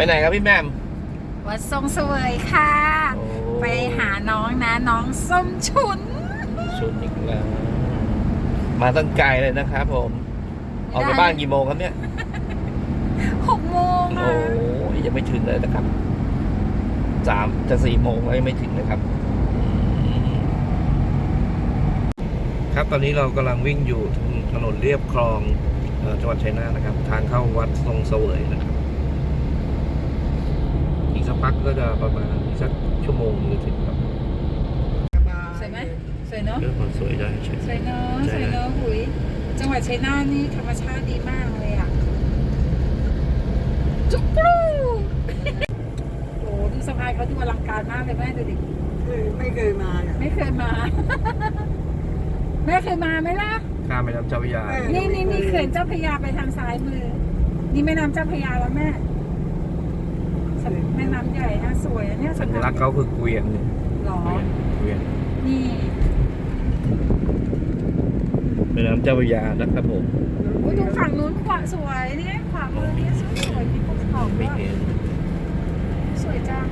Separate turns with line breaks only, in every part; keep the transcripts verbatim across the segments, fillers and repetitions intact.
ไหนครับพี่แม่ม
วัดทรงเสวยค่ะ ไปหาน้องนะน้องส้มฉุน
ฉุนอีกแล้วมาตั้งไกลเลยนะครับผมออกจากบ้านกี่โมงครับเนี่ย
หกโมง
โอ้ยยังไม่ถึงเลยนะครับสามจะสี่โมงแล้วยังไม่ถึงเลยครับครับตอนนี้เรากำลังวิ่งอยู่ถนนเลียบคลองจังหวัดชัยนาทนะครับทางเข้าวัดทรงเสวยนะครับอีกสักพักก็จะประมาณอีกสักชั่วโมงจะถึงครับ
สวยไหมสวยเนาะ
เรื่องสวยได้ใช่
สวยเนาะสวยเนาะหุยจังหวัดชัยนาทนี่ธรรมชาติดีมากเลยอ่ะจุกรูโอ้ดูสะพานเขาดูอลังการมากเลยแม่ดูดิ
ไม่เคยมา
ไม่เคยมาแม่เคยมาไหมล่ะ
ข้ามแม่น้ำเจ้าพระยา
นี่นี่นี่เขื่อนเจ้าพระยาไปทางซ้ายมือนี่แม่น้ำเจ้าพระยาแล้วแม่แม่น้ำใหญ่นะสวยเนี่ย
สัญลักษณ์เขาคือเกวียนเนี่ย
หรอ
เกวียน
นี่
แม่น้ำเจ้าพระยานะครับผม
โอ้ยตรงฝั่งนู้นขวาสวยนี่ขวามือนี่สวยสวยมีภูเขาด้วยสวยจัง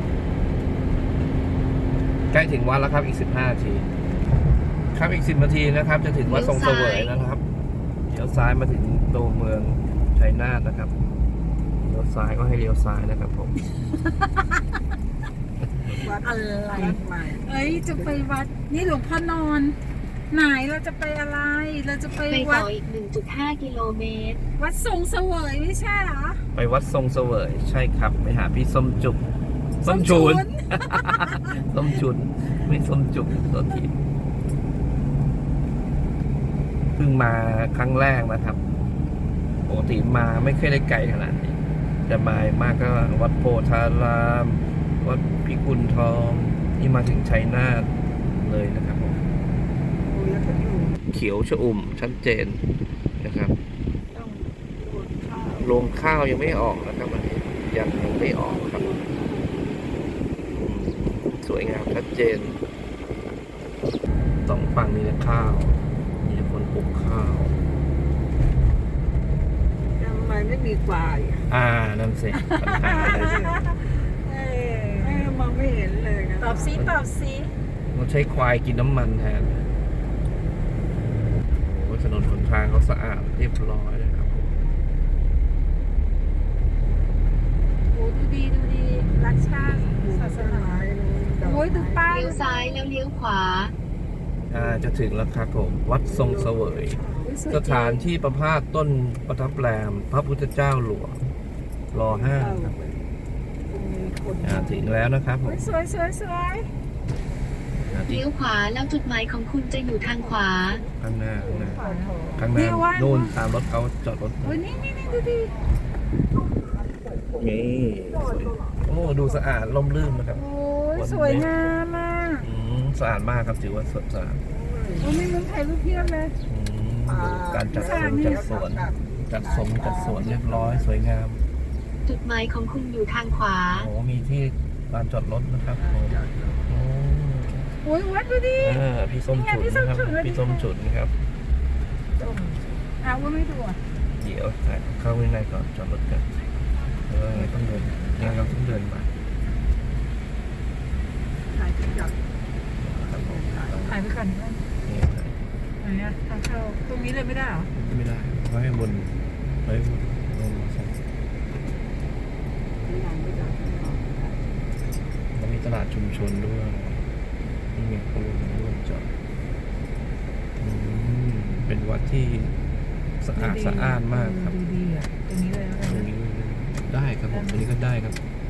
ใกล้ถึงวัดแล้วครับอีกสิบห้านาทีครับอีกสิบนาทีนะครับจะถึงวัดทรงเสวยนะครับเลี้ยวซ้ายมาถึงตัวเมืองชัยนาทนะครับเลี้ยวซ้ายก็ให้เลี้ยวซ้ายนะครับผม
วัดอะไรเอ้ยจะไปวัดนี่หลวงพ่อนอนไหนเราจะไปอะไรเราจะไปวัด
อีก หนึ่งจุดห้า กิโลเมตร
วัดทรงเสวยไม่ใช่เหรอ
ไปวัดทรงเสวยใช่ครับไปหาพี่ส้มจุกส้มฉุนส้มฉุนไม่ส้มจุกตัวทีเพิ่งมาครั้งแรกนะครับปกติมาไม่เคยได้ไกลขนาดนี้จะมามากก็วัดโพธารามวัดพิกุลทองนี่มาถึงชัยนาทเลยนะครับผมเขียวชอุ่มชัดเจนนะครับลงข้าวยังไม่ออกนะครับมันยังยังไม่ออกครับสวยงามชัดเจนสองฝั่งมีแต่ข้าวมีคนปลูกข้าว
ทำไมไม่มีควาย
อ่านั่นสิปัญหาอะไร
เนี่ยมองไม่เห็นเลยนะ
ตอบซิตอบซิ
เราใช้ควายกินน้ำมันแทนโอ้ถนนหนทางเขาสะอาดเรียบร้อยเลยครับ
โอ้ดูดีดูดีรักชาติศาสนาโอ้ยดูป้าย
เลี้ยวซ้ายแล้วเลี้ยวขวา
อ่าจะถึงแล้วครับผมวัดทรงเสวยสถานที่ประพาสต้นประทับแรมพระพุทธเจ้าหลวงรอห้าครับอ่าถึงแล้วนะครับผม
สวยสวยสวย
เลี้ยวขวาแล้วจุดหมายของคุณจะอยู่ทางขวา
ข้างหน้าข้างหน้าข้างหน้าโน่นตามรถเขาจอดรถ
โอ้ยนี่นี่นี่ดูดิ
นี่โอ้ดูสะอาดร่มรื่นนะครับ
โอ้ยสวยงามมาก
สะอาดมากครับถือว่าสดสะอาด
โอ้ไม่เหมือนถ่ายรูปเพียบเลย
การจัดสวนจัดสวนจัดสมจัดสวนเรียบร้อยสวยงาม
จุดหมายของคุณอยู่ทางขวา
โอ้มีที่ลานจอดรถนะครับ
โอ้ยวัดดูดิ
พี่ส้มฉุนนะครับพี่ส้มฉุนครับ
อ้าวว่าไม่ดูอ่ะ
เดี๋ยวเข้าข้างในก่อนจอดรถกันเออต้องเดินงั้นเราต้องเดินมา
ถ่ายจับ
ถ่ายไปก่อนไหนอ่ะทางเข้าตรงนี้เลยไม่ได้หรอ
ไม่ได้ไว้บนไว้บนลงมาใช่แล้วมีตลาดชุมชนด้วยนี่ไงเขาลงด้วยจอดเป็นวัดที่สะอาดสะอ้านมากครับ
ดีอ่ะตรงนี้เลย
ตรงนี้ได้ครับผมตรงนี้ก็ได้ครับ